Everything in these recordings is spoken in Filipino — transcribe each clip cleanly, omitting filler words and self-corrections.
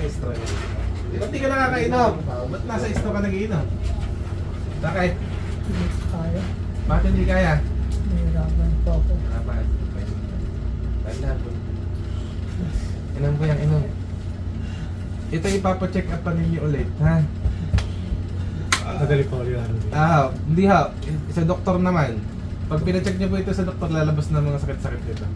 estro niya. Ba't di ka nakakainom? Ba't nasa estro ka nag-iinom? Bakit? Kaya. Bakit hindi kaya? Nahirapan po ako. Bakit? Tanda po. Inom ko yung inom. Ito ipapacheck up pa ninyo ulit, ha? Madali pa ulit ano. Hindi ha. Sa doktor naman. Pag pinacheck niyo po ito sa doktor, lalabas na mga sakit-sakit nito.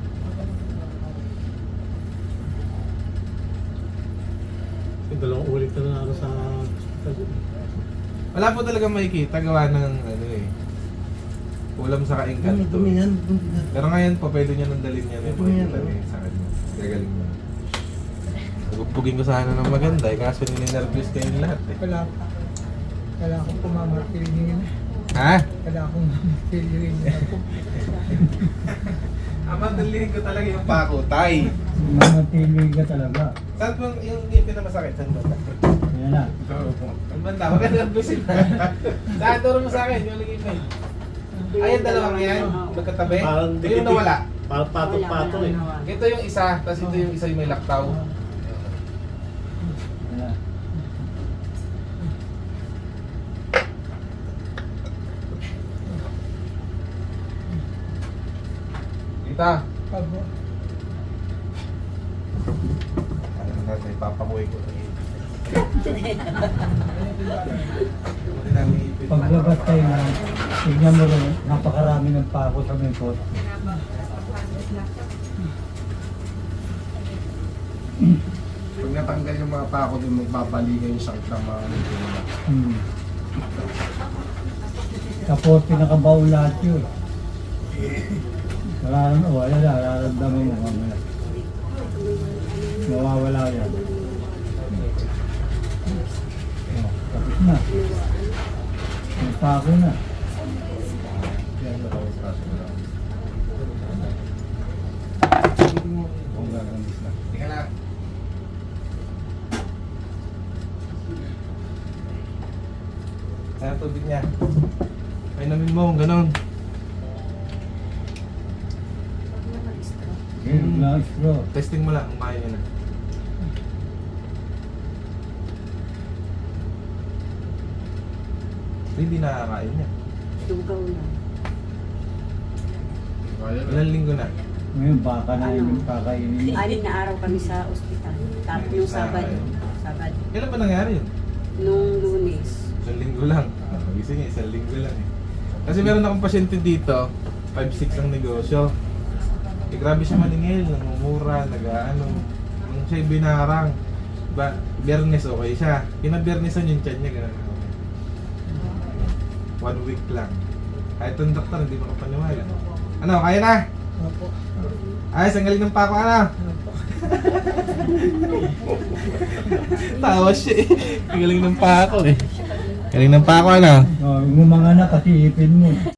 Dalawang ulit na ako sa hospital. Wala po talaga makikita gawa ng ano eh. Kulam sa kaingkan to. Pero ngayon po, pwede niya nang dalhin niya yung makikita niya sa kanya. Gagaling mo. Bugpugin ko sana ng maganda eh, kaso nininervous kayong lahat eh. Wala akong pumamartilin na. Ha? Wala akong mamartilin na po. Ama, dalhin ko talaga yung pako, tay. Mamartilin ka talaga. Saan po yung ngipin na masakit? Saan ba? Yan na. Ang banda, huwag ka nervousin na. Saan, turo mo sa akin, yung ngipin. Ay, yung dalawang yan, magkatabi. Parang O yung nawala. Parang patong-patong eh. Ito yung isa, tapos ito yung isa yung may laktaw. Kita. Pabo. Ano na natin, papakuwi ko. Paglabas tayo na, tignan mo rin, napakarami ng pako sa mekot. Pag natanggal yung mga pako din, magbabalikan yung sakit ng mga nila. Tapos pinakabaw lahat yun. Wala na, nararamdaman mo mamaya. Mawawala yan. Tapos na. May pako na. Yan, maraming kaso na lang. Kung gagandis na. Tika na. Kaya tubig niya. Painumin mo, ganun. Na straw. Testing mo lang kung kaya niya na. Hindi nakakain niya. Lugaw na. Kaya na. Ilang linggo na? Ngayon baka na yung kakainin. Anim na araw kami sa ospital. Tapos yung Sabado. Sabado. Kailan ba nangyari yun? Nung Lunes. Isang linggo lang. Gising niya, isang linggo lang eh. Kasi meron akong pasyente dito, 5-6 ang negosyo. Eh grabe siya maningil, namumura, nag-ano. Nung siya'y binarang. Biyernes okay siya. Kinabiyernesan yung tiyan niya, gano'n. 1 week lang. Kahit yung doktor, hindi makapaniwala. Ano, kaya na? Opo. Ayos, ang galing ng pako, ano? Tawa siya eh. Ang galing ng pako eh. Galing ng pako, ano? Umanga na kasi ipin mo.